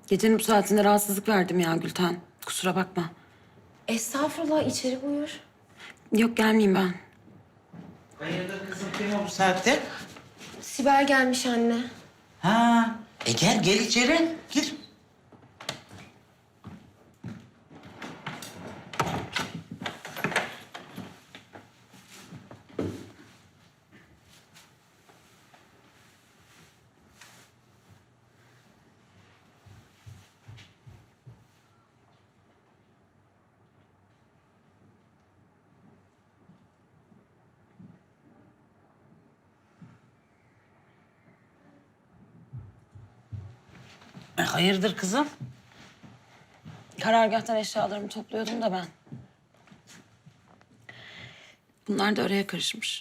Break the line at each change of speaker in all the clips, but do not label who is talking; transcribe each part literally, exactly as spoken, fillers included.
Gecenin bu saatinde rahatsızlık verdim ya Gülten. Kusura bakma.
Estağfurullah, içeri buyur.
Yok gelmeyeyim ben.
Hayırdır kızım, kim o bu saatte?
Sibel gelmiş anne.
Ha, e gel gel içeri, gir. E, hayırdır kızım?
Karargâhtan eşyalarımı topluyordum da ben. Bunlar da araya karışmış.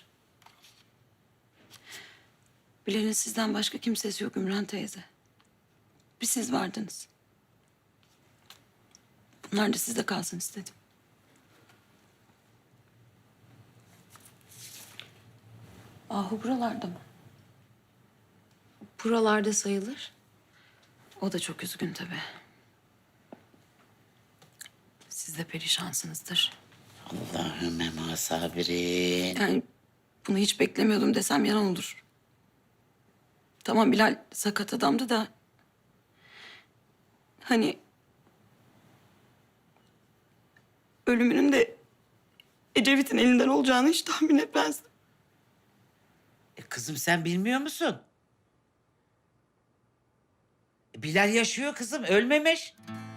Bilal'in sizden başka kimsesi yok Ümran teyze. Bir siz vardınız. Bunlar da sizde kalsın istedim. Ahu buralarda mı?
Buralarda sayılır.
O da çok üzgün tabii. Siz de perişansınızdır.
Allahümme ma sabirin.
Yani bunu hiç beklemiyordum desem yalan olur. Tamam Bilal sakat adamdı da... Hani... Ölümünün de Ecevit'in elinden olacağını hiç tahmin etmezdim.
E, kızım sen bilmiyor musun? Bilal yaşıyor kızım, ölmemiş.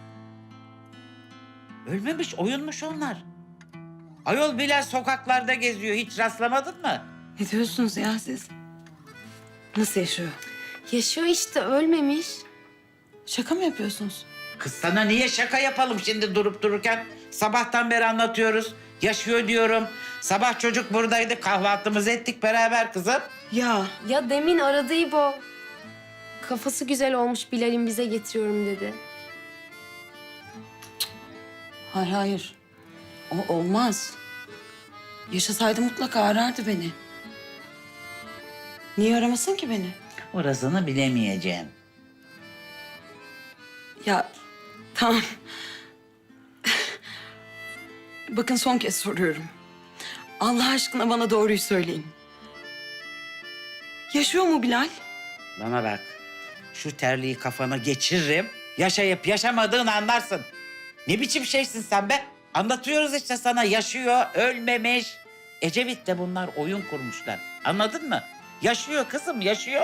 Ölmemiş, oyunmuş onlar. Ayol Bilal sokaklarda geziyor, hiç rastlamadın mı?
Ne diyorsunuz ya siz? Nasıl yaşıyor?
Yaşıyor işte, ölmemiş.
Şaka mı yapıyorsunuz?
Kız sana niye şaka yapalım şimdi durup dururken? Sabahtan beri anlatıyoruz. Yaşıyor diyorum. Sabah çocuk buradaydı. Kahvaltımızı ettik beraber kızım.
Ya
Ya demin aradı İbo. Kafası güzel olmuş, Bilal'in bize getiriyorum dedi.
hayır hayır. O olmaz. Yaşasaydı mutlaka arardı beni. Niye aramasın ki beni?
Orasını bilemeyeceğim.
Ya tamam. Bakın son kez soruyorum. Allah aşkına bana doğruyu söyleyin. Yaşıyor mu Bilal?
Bana bak. Şu terliği kafana geçiririm. Yaşayıp yaşamadığını anlarsın. Ne biçim şeysin sen be? Anlatıyoruz işte sana. Yaşıyor, ölmemiş. Ecevit'le bunlar oyun kurmuşlar. Anladın mı? Yaşıyor kızım, yaşıyor.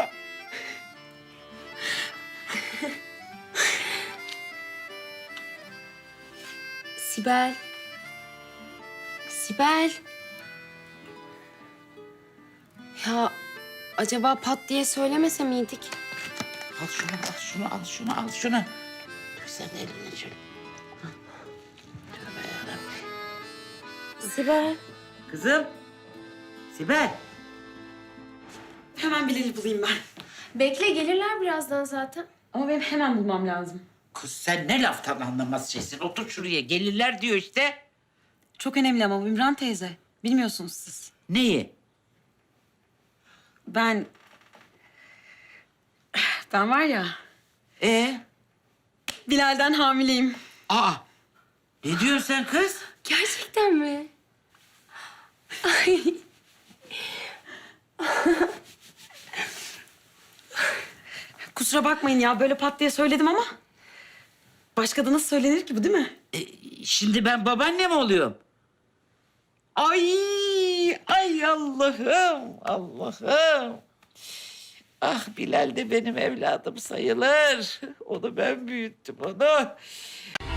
Sibel. Sibel. Ya acaba pat diye söylemese miydik?
Al şunu, al şunu, al şunu, al şunu. Dur sen elini şöyle. Hah. Tövbe yarabbim.
Sibel.
Kızım. Sibel.
Hemen Bilal'i bulayım ben.
Bekle, gelirler birazdan zaten.
Ama benim hemen bulmam lazım.
Kız sen ne laftan anlamaz şeysin. Otur şuraya. Gelirler diyor işte.
Çok önemli ama bu Ümran teyze. Bilmiyorsunuz siz.
Neyi?
Ben... Ben var ya...
Ee?
Bilal'den hamileyim.
Aa. Ne diyorsun sen kız?
Gerçekten mi? Ay.
Kusura bakmayın ya böyle pat diye söyledim ama... Başka da nasıl söylenir ki bu değil mi?
E, şimdi ben babaanne mi oluyorum? Ay, ay Allah'ım, Allah'ım. Ah Bilal de benim evladım sayılır. Onu ben büyüttüm onu.